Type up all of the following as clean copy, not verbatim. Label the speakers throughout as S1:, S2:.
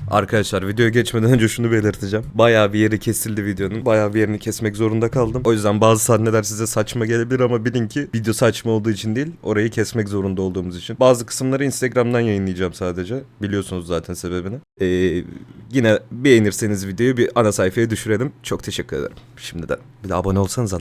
S1: Arkadaşlar videoya geçmeden önce şunu belirteceğim. Bayağı bir yeri kesildi videonun. Bayağı bir yerini kesmek zorunda kaldım. O yüzden bazı sahneler size saçma gelebilir ama bilin ki video saçma olduğu için değil, orayı kesmek zorunda olduğumuz için. Bazı kısımları Instagram'dan yayınlayacağım sadece. Biliyorsunuz zaten sebebini. Yine beğenirseniz videoyu bir ana sayfaya düşürelim. Çok teşekkür ederim. Şimdiden. Bir de abone olsanız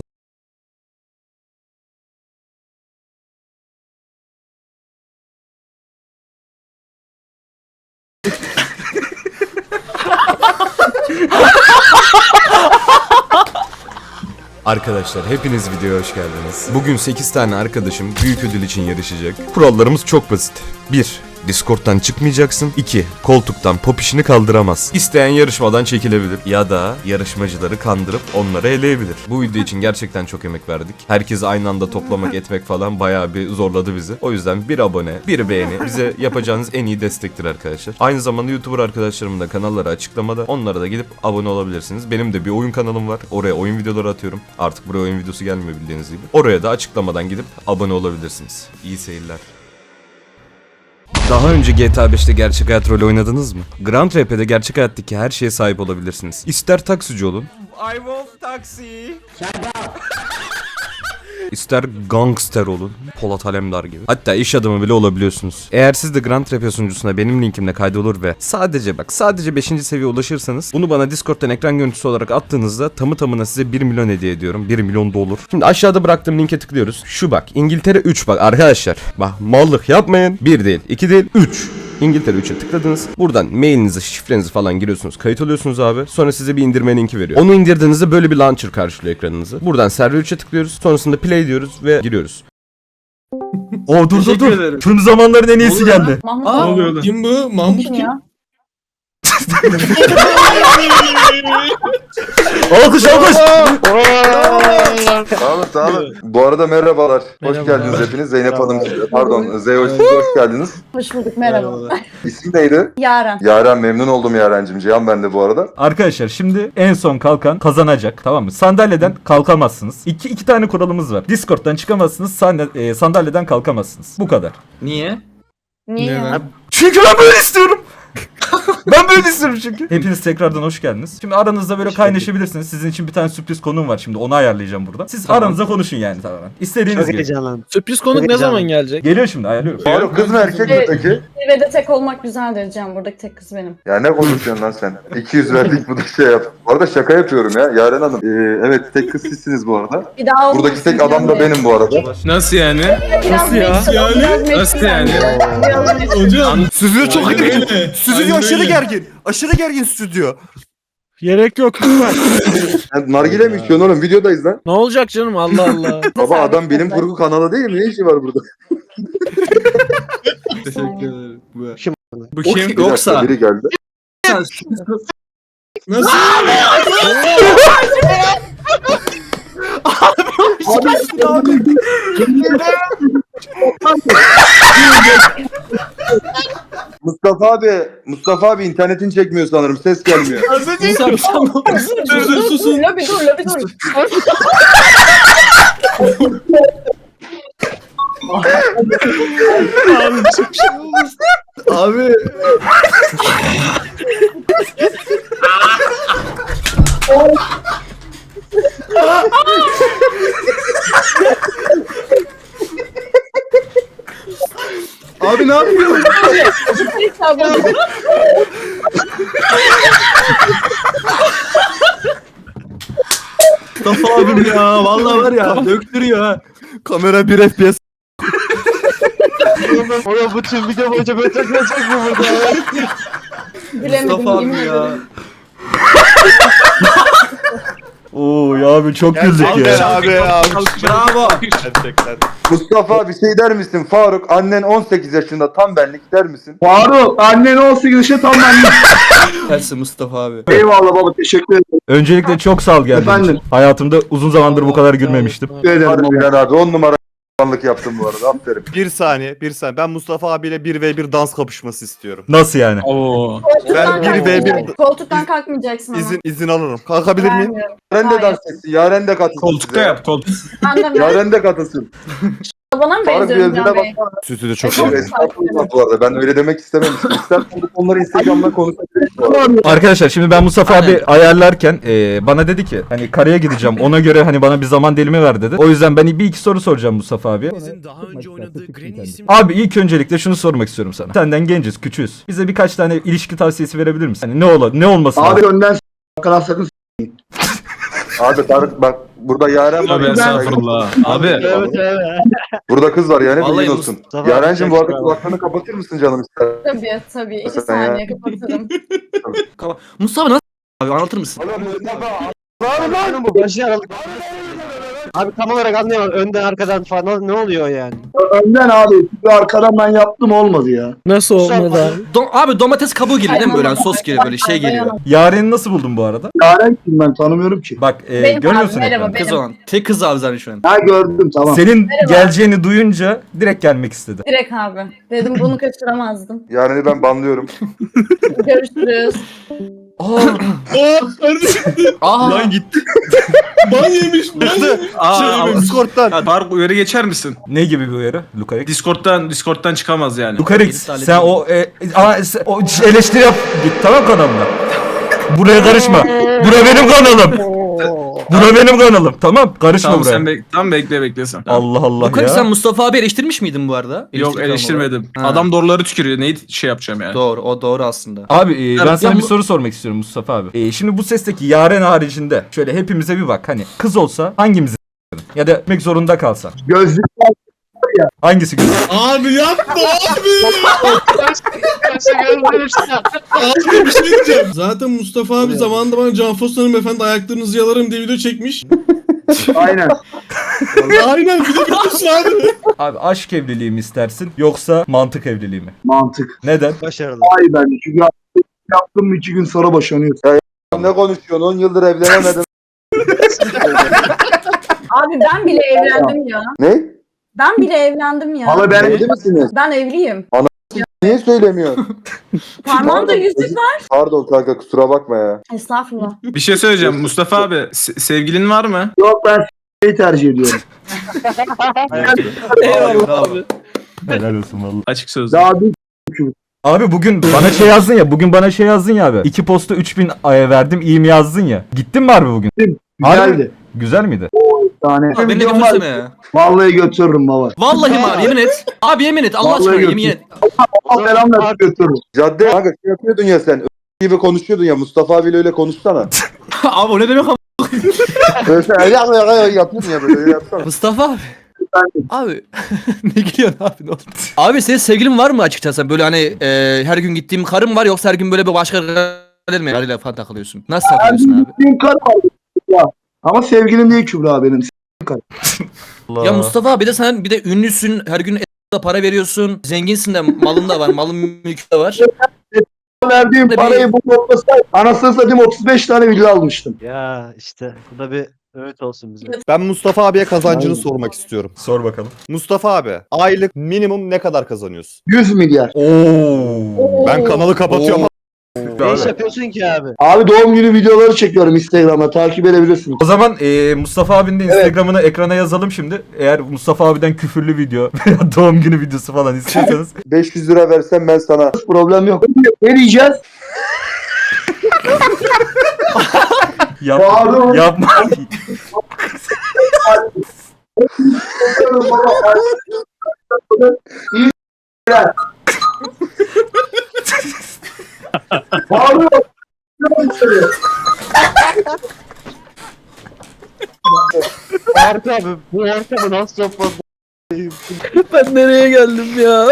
S1: Arkadaşlar hepiniz videoya hoş geldiniz. Bugün 8 tane arkadaşım büyük ödül için yarışacak. Kurallarımız çok basit. 1. Discord'dan çıkmayacaksın. 2. Koltuktan pop işini kaldıramaz. İsteyen yarışmadan çekilebilir. Ya da yarışmacıları kandırıp onları eleyebilir. Bu video için gerçekten çok emek verdik. Herkesi aynı anda toplamak etmek falan bayağı bir zorladı bizi. O yüzden bir abone, bir beğeni bize yapacağınız en iyi destektir arkadaşlar. Aynı zamanda YouTuber arkadaşlarımın da kanalları açıklamada. Onlara da gidip abone olabilirsiniz. Benim de bir oyun kanalım var. Oraya oyun videoları atıyorum. Artık buraya oyun videosu gelmiyor bildiğiniz gibi. Oraya da açıklamadan gidip abone olabilirsiniz. İyi seyirler. Daha önce GTA 5'te gerçek hayat rolü oynadınız mı? Grand RP'de gerçek hayattaki her şeye sahip olabilirsiniz. İster taksici olun. I want taxi. İster gangster olun. Polat Alemdar gibi. Hatta iş adamı bile olabiliyorsunuz. Eğer siz de Grand RP sunucusuna benim linkimle kaydolur ve sadece 5. seviyeye ulaşırsanız bunu bana Discord'dan ekran görüntüsü olarak attığınızda tamı tamına size 1 milyon hediye ediyorum. 1 milyon dolar. Şimdi aşağıda bıraktığım linke tıklıyoruz. Şu bak, İngiltere 3 bak arkadaşlar. Bak mallık yapmayın. 1 değil, 2 değil, 3. İngiltere 3'e tıkladınız. Buradan mailinizi, şifrenizi falan giriyorsunuz. Kayıt oluyorsunuz abi. Sonra size bir indirme linki veriyor. Onu indirdiğinizde böyle bir launcher karşılıyor ekranınızı. Buradan server 3'e tıklıyoruz. Sonrasında play diyoruz ve giriyoruz. Dur. Tüm zamanların en iyisi geldi.
S2: Mahmut
S3: Ne
S2: abi.
S3: oluyor lan? Kim bu? Mahmut kim?
S2: Ya?
S1: Alkış.
S4: Sağ olun. Bu arada merhabalar. Hoş geldiniz hepiniz. Zeynep Hanım, pardon Zeyo, siz hoş geldiniz.
S2: Hoş bulduk, merhaba.
S4: İsim neydi?
S2: Yaren.
S4: Yaren, memnun oldum Yaren'cim. Cihan ben de bu arada.
S5: Arkadaşlar şimdi en son kalkan kazanacak, tamam mı? Sandalyeden kalkamazsınız. İki tane kuralımız var. Discord'dan çıkamazsınız, sandalyeden kalkamazsınız. Bu kadar.
S3: Niye?
S2: Niye
S3: Ne
S2: ya?
S3: lan?
S5: Çünkü ben böyle istiyorum. Ben böyle istiyorum çünkü. Hepiniz tekrardan hoş geldiniz. Şimdi aranızda böyle kaynaşabilirsiniz. Sizin için bir tane sürpriz konuğum var şimdi. Onu ayarlayacağım burada. Siz aranızda konuşun yani tamamen. İstediğiniz gibi.
S6: Sürpriz konuk ne zaman gelecek?
S5: Geliyor şimdi, ayarlıyorum.
S4: Faruk, kız mı erkek mi peki?
S2: Zirvede tek olmak güzeldir Can. Buradaki tek kız benim.
S4: Ya ne konuşuyorsun lan sen? 200 verdik, bu da şey yap. Bu arada şaka yapıyorum ya Yaren Hanım. Evet, tek kız sizsiniz bu arada.
S2: Bir daha
S4: Buradaki tek adam da benim bu arada.
S3: Nasıl yani?
S2: Nasıl
S3: ya? Nasıl yani? Hocam.
S7: Stüdyo çok
S3: Aynen
S7: gergin.
S3: öyle.
S7: Stüdyo
S3: Aynen
S7: aşırı
S3: öyle.
S7: gergin. Aşırı gergin stüdyo.
S6: Gerek yok lütfen.
S4: Sen nargile mi içiyorsun oğlum? Videodayız lan.
S6: Ne olacak canım, Allah Allah.
S4: Baba adam bilim kurgu kanalı değil mi? Ne işi var burada?
S3: Teşekkür ederim. Bu
S4: Bir
S3: kim?
S4: dakika,
S3: Yoksa.
S4: biri geldi.
S3: Nasıl?
S4: Mustafa abi internetin çekmiyor sanırım. Ses gelmiyor.
S3: Dur susun.
S2: Lobi dur.
S3: Abi. Abi ne yapıyorsun? Mustafa abim ya. Vallahi var ya. Döktürüyor ha.
S7: Kamera 1 FPS.
S6: Oğlum bu tüm video boyunca böyle takılacak mı burada?
S2: Bilemedim,
S3: Mustafa
S2: yemin
S3: abi ya.
S2: ederim.
S5: Oo ya abi çok güldük ya.
S7: Abi
S3: Bravo.
S7: Gerçekten.
S4: Mustafa abi şey der misin? Faruk, annen 18 yaşında, tam benlik der misin?
S8: Faruk annen 18 yaşında tam benlik.
S3: Tersi Mustafa abi.
S8: Eyvallah baba, teşekkür
S5: Öncelikle çok sağ ol geldiğin
S8: Efendim?
S5: için. Hayatımda uzun zamandır bu kadar gülmemiştim.
S8: ederim.
S4: Harbiden abi 10 numara a**lanlık yaptım bu arada, aferin.
S7: Bir saniye. Ben Mustafa abiyle 1v1 dans kapışması istiyorum.
S5: Nasıl yani?
S3: Oo.
S2: Koltuktan
S7: Ben 1v1
S2: kalkmayacaksın. Koltuktan kalkmayacaksın ama.
S7: izin alırım. Kalkabilir miyim?
S2: Vermiyorum.
S4: Yaren de
S2: Hayır.
S4: dans etsin, Yaren de katılsın.
S3: Koltukta
S4: size.
S3: yap koltuk.
S2: Ben de
S4: Yaren de katılsın.
S2: Bana mı
S4: Faruk bir
S2: benziyor
S4: özüne
S2: Can Bey?
S4: baksana.
S7: Sütü de çok
S2: Çok
S7: iyi.
S4: Estağfurullah bu arada. Ben öyle demek istememiştim. İstersen bu konuları Instagram'da konuşabiliriz bu arada.
S5: Arkadaşlar şimdi ben Mustafa
S3: Aynen.
S5: abi ayarlarken bana dedi ki hani karaya gideceğim ona göre hani bana bir zaman dilimi ver dedi. O yüzden ben bir iki soru soracağım Mustafa abi.
S9: Daha önce oynadığı Granny isimli
S5: Abi ilk öncelikle şunu sormak istiyorum sana. Senden genciz, küçüğüz. Bize birkaç tane ilişki tavsiyesi verebilir misin? Hani ne olması
S8: Abi
S5: lazım?
S8: önden s***lar sakın
S4: Abi Tarık bak burada Yaren var.
S3: Abi estağfurullah. Abi.
S6: Evet evet.
S4: Burada kız var yani
S3: Vallahi
S4: bilgin olsun.
S6: Mustafa
S4: Yaren'cim bu
S6: abi,
S4: arada
S6: çok
S4: kulaklarını kapatır mısın canım ister?
S2: Tabii. 2
S4: Sen
S2: saniye kapatırım.
S3: Mustafa nasıl abi anlatır mısın?
S6: Bu başı aralık. Abi tam olarak anlayamadım. Önden arkadan falan ne oluyor yani?
S8: Önden abi. Bir arkadan ben yaptım olmadı ya.
S6: Nasıl olmadı abi?
S3: Abi domates kabuğu geliyor değil mi böyle hani sos geliyor böyle şey geliyor.
S5: Yaren'i nasıl buldun bu arada?
S8: Yaren kim ben tanımıyorum ki.
S5: Bak
S2: Benim
S5: görüyorsun
S2: abi, merhaba,
S5: ekranı.
S3: Kız
S2: benim.
S3: olan. Tek kız abi zaten şu an.
S8: Ha gördüm tamam.
S5: Senin geleceğini duyunca direkt gelmek istedi.
S2: Direkt abi. Dedim bunu kaçıramazdım.
S4: Yaren'i ben banlıyorum.
S2: Görüşürüz.
S3: Aa.
S10: Lan gitti. Ban yemiş.
S3: Aa.
S7: Discord'dan.
S10: Ya Tarık uyarı geçer misin?
S5: Ne gibi bir uyarı? Lukarik.
S10: Discord'dan çıkamaz yani.
S5: Lukarik
S3: Halledin.
S5: sen o eleştiri yap. Git tamam kanalına. Buraya karışma. Bura benim kanalım. Bura benim kanalım. Tamam karışma
S10: Tamam
S5: buraya.
S10: sen tamam bekle sen.
S5: Allah Allah
S3: Lukarik
S5: ya.
S3: sen Mustafa abi eleştirmiş miydin bu arada?
S10: Yok eleştirmedim.
S3: Ha.
S10: Adam doğruları tükürüyor. Neyi şey yapacağım yani?
S3: Doğru o doğru aslında.
S5: Abi ben
S10: Evet,
S5: sana
S10: ya
S5: bir
S10: bu-
S5: soru sormak istiyorum Mustafa abi. Şimdi bu sesteki Yaren haricinde şöyle hepimize bir bak. Hani kız olsa hangimizi ya da etmek zorunda kalsa.
S8: Gözlük
S5: Hangisi güzel?
S10: Abi yapma abi. Abi bir şey diyeceğim. Zaten Mustafa abi zamanında bana Can Fosna'nın efendi ayaklarınızı yalarım diye video çekmiş.
S8: aynen.
S10: Aynen bir de biliyorsun abi.
S5: Abi aşk evliliği mi istersin yoksa mantık evliliği mi?
S8: Mantık.
S5: Neden?
S7: Başarılı.
S8: Ay ben çünkü yaptım mı 2 gün sonra boşanıyor.
S4: Ne konuşuyorsun? 10 yıldır evlenemedin.
S2: Abi ben bile evlendim ya.
S4: Ne?
S2: Ben bile evlendim ya.
S8: Hala ben
S4: Evli misiniz?
S2: Ben evliyim.
S4: Niye söylemiyorsun?
S2: Parmağımda yüzük var.
S4: Pardon kanka kusura bakma ya.
S2: Estağfurullah.
S10: Bir şey söyleyeceğim Mustafa abi. Sevgilin var mı?
S8: Yok ben s***yi tercih ediyorum.
S3: Eyvallah abi.
S5: Helal olsun vallahi.
S10: Açık sözlü.
S8: Daha bir
S5: Abi bugün bana şey yazdın ya. Bugün bana şey yazdın ya abi. 2 posta 3000 verdim iyi mi yazdın ya. Gittin mi harbi bugün?
S8: güzeldi.
S5: Güzel miydi?
S8: Tane.
S3: Abi beni de
S8: Videom var.
S3: götürsene ya.
S8: Vallahi götürürüm baba.
S3: Vallahi mi abi yemin et. Abi yemin et Allah
S8: Vallahi
S3: aşkına
S8: götür.
S3: yemin et.
S8: Allah belamla götürürüm.
S4: Cadde kanka şey yapıyordun ya sen. Gibi konuşuyordun ya Mustafa abiyle öyle konuşsana.
S3: Abi o ne demek ama.
S4: Böyle sen yapıyordun ya böyle yapsana.
S3: Mustafa abi. Abi ne gülüyorsun abi ne oldu? Abi senin sevgilin var mı açıkçası? Böyle hani her gün gittiğim karım var yoksa her gün böyle bir başka karıyla falan takılıyorsun? Nasıl takılıyorsun abi?
S8: Benim karım var. Ya. Ama sevgilim değil Kübra benim.
S5: Allah.
S3: Ya Mustafa abi de sen bir de ünlüsün her gün para veriyorsun. Zenginsin de malın da var malın mülkün de var.
S8: Verdiğim
S3: Bir-
S8: parayı bu toplasaydım anasını satayım 35 tane villa almıştım.
S6: Ya işte bu da bir öğüt olsun bize.
S7: Ben Mustafa abiye kazancını
S8: Aynen.
S7: sormak istiyorum.
S5: Sor bakalım.
S7: Mustafa abi aylık minimum ne kadar kazanıyorsun?
S8: 100 milyar.
S5: Oo.
S7: Ben kanalı kapatıyorum.
S6: Ne iş yapıyorsun ki abi?
S8: Abi doğum günü videoları çekiyorum Instagram'a takip edebilirsiniz.
S5: O zaman Mustafa abinin de Instagram'ını ekrana yazalım şimdi. Eğer Mustafa abiden küfürlü video veya doğum günü videosu falan istiyorsanız
S4: 500 lira versem ben sana.
S8: Problem yok. Ne diyeceğiz?
S5: yapma.
S8: Pardon.
S5: Yapma.
S8: Bağırıyor.
S6: Harika abi. Bu harika bu nasıl yapmadı? Ben nereye geldim ya?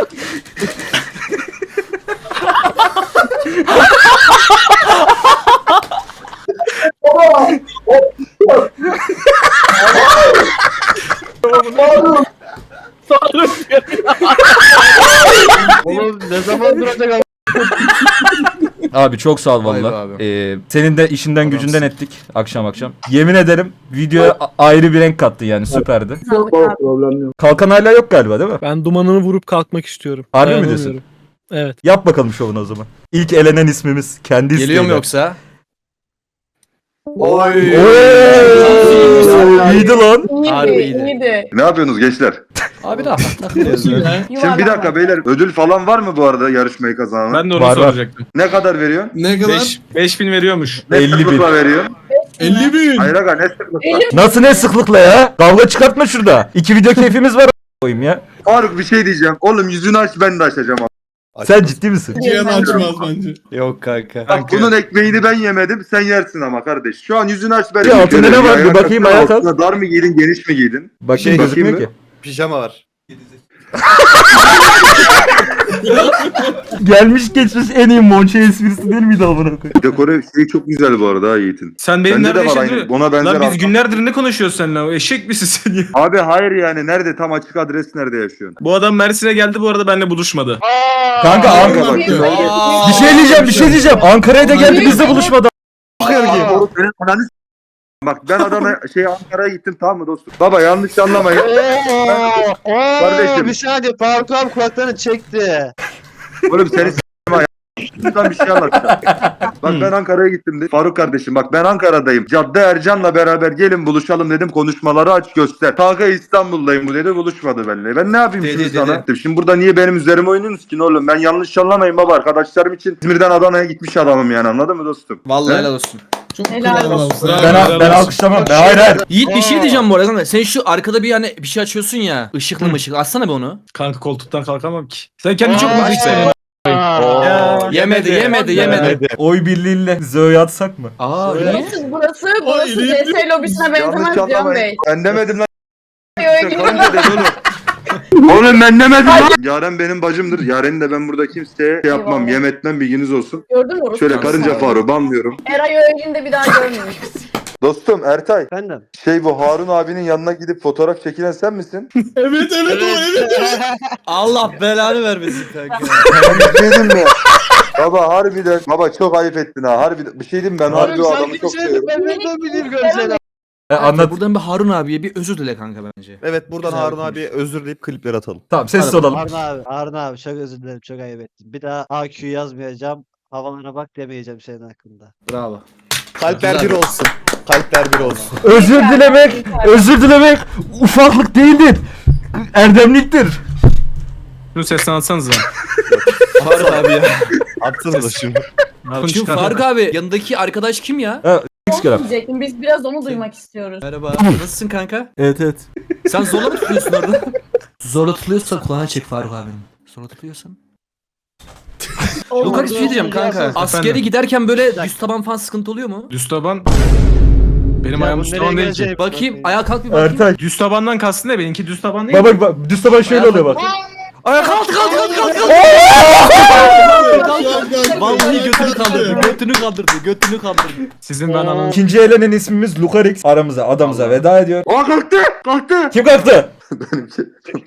S8: Bağırıyor.
S6: Oğlum ne zaman duracak abi?
S5: Abi çok sağ ol
S3: Vay be
S5: valla.
S3: abi.
S5: Senin de işinden gücünden ettik akşam akşam. Yemin ederim videoya ayrı bir renk kattı yani süperdi.
S2: Sağlık abi.
S8: Problem yok.
S5: Kalkan hala yok galiba değil mi?
S6: Ben dumanını vurup kalkmak istiyorum.
S5: Harbi mi
S6: Dayanamıyorum.
S5: diyorsun?
S6: Evet.
S5: Yap bakalım şovunu o zaman. İlk elenen ismimiz kendi
S3: Geliyor mu
S5: isteğiyle.
S3: yoksa?
S4: Oy.
S5: Oo, iyiydi lan.
S3: Harbi
S2: İyiydi,
S3: iyiydi.
S2: iyiydi.
S4: Ne yapıyorsunuz gençler?
S3: Abi rahat takılıyoruz ya.
S4: Şimdi bir dakika beyler, ödül falan var mı bu arada yarışmayı kazanan?
S9: Ben de onu
S5: Var, var.
S9: soracaktım.
S4: Ne kadar veriyorsun?
S10: Ne kadar?
S9: 5000 veriyormuş.
S4: Ne
S5: 50 bin.
S4: sıklıkla veriyorsun?
S10: 50 bin.
S4: Hayır aga, ne sıklıkla?
S5: Nasıl ne sıklıkla ya? Kavga çıkartma şurada. 2 video keyfimiz var koyayım ya.
S4: Faruk bir şey diyeceğim. Oğlum yüzünü aç, ben de açacağım.
S5: Sen ciddi misin?
S10: Cihan açmaz bence.
S7: Yok kanka.
S4: Bak bunun ekmeğini ben yemedim, sen yersin ama kardeş. Şu an yüzünü aç, ben
S5: Ya altında ne var? Bir bakayım, ayağa kalk.
S4: altına dar mı giydin, geniş mi giydin?
S5: Bakayım
S7: Şey,
S5: gözükmüyor
S4: bakayım
S5: ki.
S7: Pijama var.
S5: Gelmiş geçmiş en iyi Monçe esprisi değil miydi amına koyayım?
S4: Dekore şey çok güzel bu arada ha Yiğit'in.
S9: Sen benim
S4: Bende
S9: nerede
S4: de var
S9: yaşadığını...
S4: aynı. Ona benzer
S9: Lan biz
S4: arkam.
S9: günlerdir ne konuşuyoruz seninle? Eşek misin sen ya?
S4: Abi hayır yani, nerede, tam açık adres nerede yaşıyorsun?
S9: Bu adam Mersin'e geldi, bu arada benimle buluşmadı.
S5: Kanka
S4: Kanka bak.
S5: bir şey diyeceğim. Ankara'ya da geldi bizle buluşmadı.
S4: Doğru, senin ananı s- Bak ben Adana Ankara'ya gittim, tamam mı dostum? Baba yanlış anlamayın. Kardeşim.
S6: Bir saniye Faruk abi kulaklarını çekti.
S4: Oğlum seni s**tim ha. Lütfen bir şey anlatacağım. Bak ben Ankara'ya gittim dedi. Faruk kardeşim bak ben Ankara'dayım. Cadde Ercan'la beraber gelin buluşalım dedim. Konuşmaları aç göster. Kanka İstanbul'dayım bu dedi, buluşmadı benimle. Ben ne yapayım
S3: Dedi,
S4: şimdi
S3: dedi.
S4: sana? Şimdi burada niye benim üzerime oynuyorsunuz ki oğlum? Ben yanlış anlamayın baba, arkadaşlarım için İzmir'den Adana'ya gitmiş adamım yani, anladın mı dostum?
S3: Vallahi
S4: He?
S3: helal olsun.
S10: Çok
S2: Helal
S10: kral
S2: olsun.
S10: adamsın.
S5: Ben alkışlamam. Hayır.
S3: Yiğit bir şey diyeceğim bu arada kanka. Sen şu arkada bir hani bir şey açıyorsun ya. Işıklı mışıklı. Açsana be onu.
S9: Kanka koltuktan kalkamam ki. Sen kendini çok mu seviyorsun?
S3: Yemedi.
S5: Oy birliğiyle Zoe'yi atsak mı?
S3: Aa niye?
S2: Burası
S10: Ay,
S2: CS lobisine benzemez
S4: Yanlış
S2: Can Bey.
S4: anlamayın. Ben demedim lan.
S2: Öyle
S4: Kanka dedi oğlum. Oğlum ben demedim lan. Yaren benim bacımdır. Yaren'i de ben burada kimseye şey yapmam,
S2: Eyvallah.
S4: yem etmem, bilginiz olsun.
S2: Gördün mü orası?
S4: Şöyle karınca Faruk'u banlıyorum.
S2: Eray Öğün'de bir daha görmemiş.
S4: Dostum Ertay,
S6: Efendim.
S4: bu Harun abinin yanına gidip fotoğraf çekilen sen misin?
S10: Evet o evet.
S3: Allah belanı vermesin kanka.
S4: Dedim mi? Baba harbiden, baba çok ayıp ettin ha. Harbiden bir şey diyeyim mi? Ben harbi o adamı çok seviyorum.
S6: Ben nereden bileyim görsene.
S5: Anlat.
S3: Buradan bir Harun abiye bir özür dile kanka bence.
S7: Evet buradan
S3: Güzel
S7: Harun
S3: konuş.
S7: abiye özür dileyip klipleri atalım.
S5: Tamam sessiz olalım.
S6: Harun abi çok özür dilerim çok ayıp ettim. Bir daha AQ yazmayacağım. Havalara bak demeyeceğim senin hakkında.
S3: Bravo.
S7: Kalpler
S3: Güzel.
S7: bir olsun. Kalpler bir olsun.
S5: Özür dilemek ufaklık değildir. Erdemliktir.
S9: Şunu sesten atsanıza.
S3: Harun abi ya.
S7: Atsana da şimdi.
S3: Şimdi Faruk abi yanındaki arkadaş kim ya?
S2: Onu diyecektim. Biz biraz onu duymak istiyoruz.
S3: Merhaba. Nasılsın kanka?
S5: Evet.
S3: Sen zorla mı tutuyorsun orada? Zorla tutuyorsan kulağına çek Faruk abinin. Zorla tutuyorsan. Yok kanka bir şey diyeceğim kanka. Askere giderken böyle düz taban falan sıkıntı oluyor mu?
S9: Düz taban. Benim
S6: Ya
S9: ayağım
S6: bu
S9: düz
S6: nereye
S9: taban değil ki.
S6: gelecek?
S3: Bakayım ayağa kalk bir bakayım.
S5: Ertay.
S9: Düz tabandan kastın ne? Benimki düz taban değil.
S5: Baba bak düz taban şöyle oluyor bak.
S3: Ayağa kalk. Vallahi götünü kaldırdı.
S9: Sizin ben anam.
S5: İkinci elenen ismimiz Lucarix. Aramıza adamıza veda ediyor.
S4: Aa kalktı.
S5: Kim kalktı?
S4: Benimki.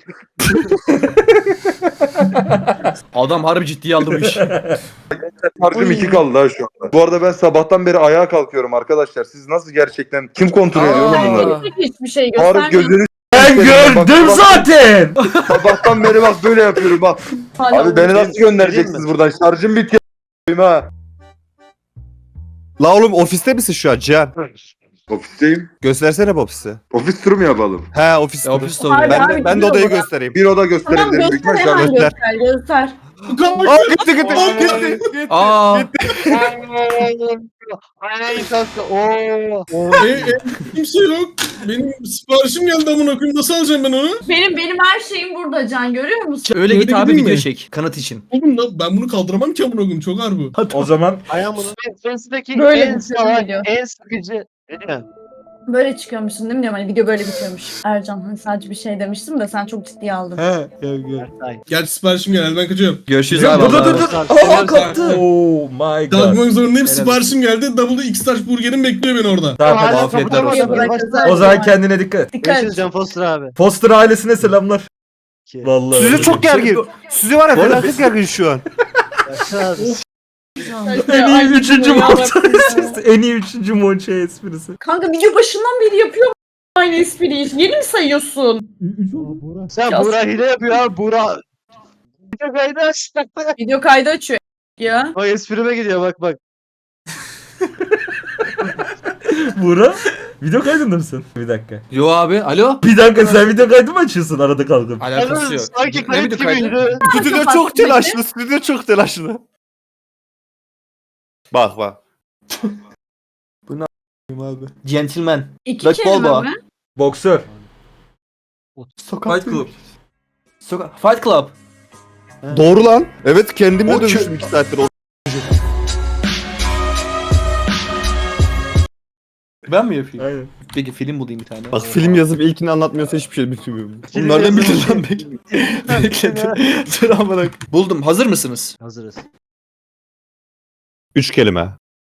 S3: Adam harbi ciddiye aldı bu işi.
S4: Harcım 2 kaldı ha şu anda. Bu arada ben sabahtan beri ayağa kalkıyorum arkadaşlar. Siz nasıl gerçekten, kim kontrol ediyor oğlum bunları?
S2: Hiçbir şey
S4: Faruk
S2: göstermiyor.
S4: gözünü
S5: Ben gördüm zaten.
S4: sabahtan beri bak böyle yapıyorum bak.
S2: Hala
S4: Abi beni nasıl göndereceksiniz buradan? Şarjım bitiyor ha.
S7: La oğlum ofiste misin şu an Cihan?
S4: Ofisteyim.
S7: Göstersene bu ofisi.
S4: Ofis turu mu yapalım?
S7: He ofis.
S3: Ofis
S2: Abi,
S3: oluyor.
S7: Ben de,
S2: abi,
S7: ben de
S2: gidiyor
S7: odayı
S2: bura.
S7: göstereyim.
S4: Bir oda
S2: Tamam
S4: gösterebilirim. Büyük
S2: göster
S4: ihtimal şu an
S2: hemen
S4: göster.
S2: göster.
S7: Aa gitti.
S3: Aa.
S6: Ay kanka ooo.
S10: Kimse yok. Benim siparişim geldi amına koyayım. Nasıl alacağım ben onu?
S2: Benim her şeyim burada Can, görüyor musun?
S3: Öyle git
S10: Öyle
S3: abi
S10: gideyim
S3: video
S10: mi?
S3: çek kanıt için.
S10: Oğlum lan ben bunu kaldıramam ki amına koyayım. Çok ağır bu.
S5: O zaman
S6: Ayağım bunu. Face'deki
S2: Böyle
S6: en
S2: bir şey
S6: salak,
S2: geliyor.
S6: en sıkıcı. Değil mi?
S2: Böyle çıkıyormuşsun değil mi diyorum, hani video böyle bitiyormuş. Ercan hani sadece bir şey demiştim de sen çok ciddiye aldın.
S6: Ertay.
S10: Gerçi siparişim geldi ben kaçıyorum.
S3: Görüşürüz
S5: dur
S3: abi.
S5: dur
S3: Allah'a
S5: dur dur.
S3: emanet.
S5: Aa kalktı. Oh my god.
S10: Kalkmak zorundayım.
S3: Helal
S10: Siparişim geldi. Double X-Taş burgerim bekliyor beni orada.
S5: Tamam hadi.
S6: Hala
S3: afiyetler
S6: kapıda
S3: olsun.
S6: bakıyor.
S5: O zaman kendine dikkat et.
S2: Dikkat
S6: Görüşürüz
S2: et.
S6: Can Foster abi.
S5: Foster ailesine selamlar. Vallahi.
S7: Suzi çok gergin. Suzi var ya
S3: Bu arada
S7: felaket gergin şu an.
S5: En iyi üçüncü Monçe esprisi. En iyi üçüncü Monçe esprisi.
S2: Kanka video başından beri yapıyor aynı espriyi. Yeni mi sayıyorsun?
S6: Sen
S2: Ya-
S6: Buğra hile yapıyor abi Buğra. Bir de kaydı aç.
S2: Video kaydı açıyor ya.
S6: Bak esprime gidiyor bak bak.
S5: Bura. Video kaydında mısın? Bir dakika.
S3: Yo abi alo.
S5: Bir dakika sen video kaydı mı açıyorsun arada kalkıp?
S3: Alakası yok.
S6: Sanki
S3: Ne
S6: kayıt
S3: video kaydı?
S6: gibiydi.
S7: Stüdyo çok telaşlı. Stüdyo çok telaşlı. Bak bak.
S3: Abi. Gentleman.
S2: İki
S3: Black
S2: kelime
S3: Balboa.
S2: mi?
S5: Boksör.
S3: Fight Club. Fight Club.
S7: Doğru lan. Evet kendimle
S3: O
S7: dövüştüm 2 saattir.
S3: Ben mi yapayım?
S5: Aynen.
S3: Peki film bulayım bir tane.
S7: Bak film yazıp ilkini anlatmıyorsa hiçbir şey bilmiyorum.
S3: Bunlardan bildin lan bekle. Bekle. Sıra bırak. Buldum. Hazır mısınız?
S6: Hazırız.
S7: 3 kelime.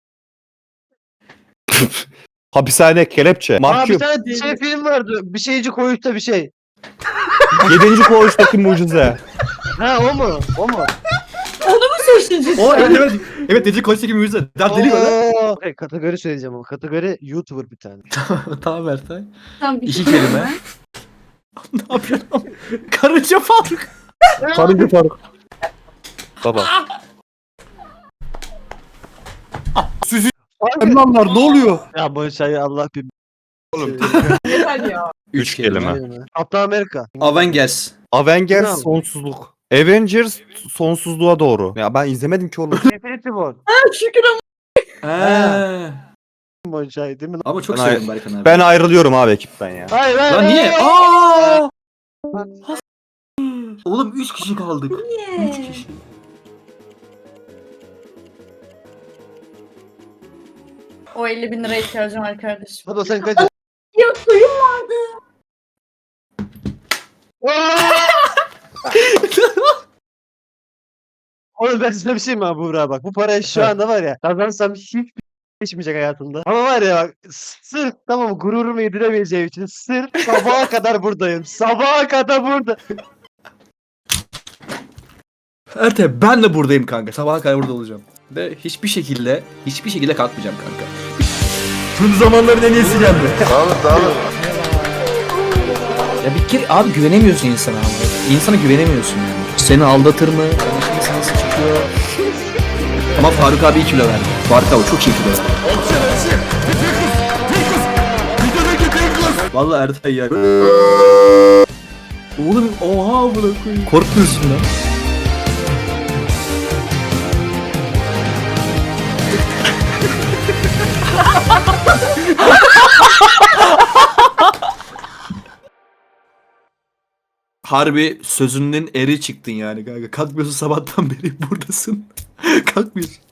S7: Hapishane, kelepçe,
S6: Aa bir
S7: mahkum,
S6: tane şey film vardı. Bir şeyci koğuşta bir şey.
S7: 7. koğuştaki mucize.
S6: Ha o mu? O mu?
S2: Seçeceğiz.
S3: O evet evet. Evet Deli Koç'taki müziği. Dert deli böyle.
S6: Okay, kategori söyleyeceğim ama. Kategori YouTuber bir tane.
S3: Tamam Ertay.
S2: Tamam,
S3: İki kelime. Ne yapıyorsun? Karınca Faruk.
S7: Karınca Faruk. Baba. Emlanlar ne oluyor?
S6: Ya bu şey Allah bir
S2: Yeter ya.
S7: 3 kelime.
S6: Kaptan Amerika.
S3: Avengers.
S7: Avengers
S6: Bravo.
S7: sonsuzluk. Avengers sonsuzluğa doğru. Ya ben izlemedim ki oğlum.
S6: Infinity War.
S2: Şükür ama.
S6: Bu şey değil mi?
S3: Ama çok
S7: Ben
S3: seviyorum Berkan abi.
S7: Ben ayrılıyorum abi ekipten ya.
S6: Hayır hayır.
S3: Lan niye?
S6: hayır.
S3: Aa! Oğlum 3 kişi kaldık. 3 kişi.
S2: O 50.000 liraya ihtiyacım var kardeşim.
S6: Hadi sen kaç.
S2: Ya suyum vardı.
S6: Oğlum ben size bir şey mi abi Buğra bak. Bu parayı şu anda var ya kazansam hiç geçmeyecek hayatımda. Ama var ya bak sırf tamam mı, gururumu yediremeyeceğim için sırf sabaha kadar buradayım. Sabaha kadar burada.
S3: Ertay ben de buradayım kanka. Sabaha kadar burada olacağım. Ve hiçbir şekilde kalkmayacağım kanka.
S5: Tüm zamanların en iyisi geldi.
S3: Ya bir kere abi güvenemiyorsun insana abi. İnsana güvenemiyorsun yani. Seni aldatır mı? Konuşması nasıl çıkıyor? Ama Faruk abi 2 kilo verdi. Faruk abi çok iyi kilo verdi. Vallahi Ertay ya. Oğlum oha bırakayım. Korkmuyorsun lan. Harbi sözünün eri çıktın yani kanka. Kalkmıyorsun sabahtan beri buradasın. Kalkmıyorsun.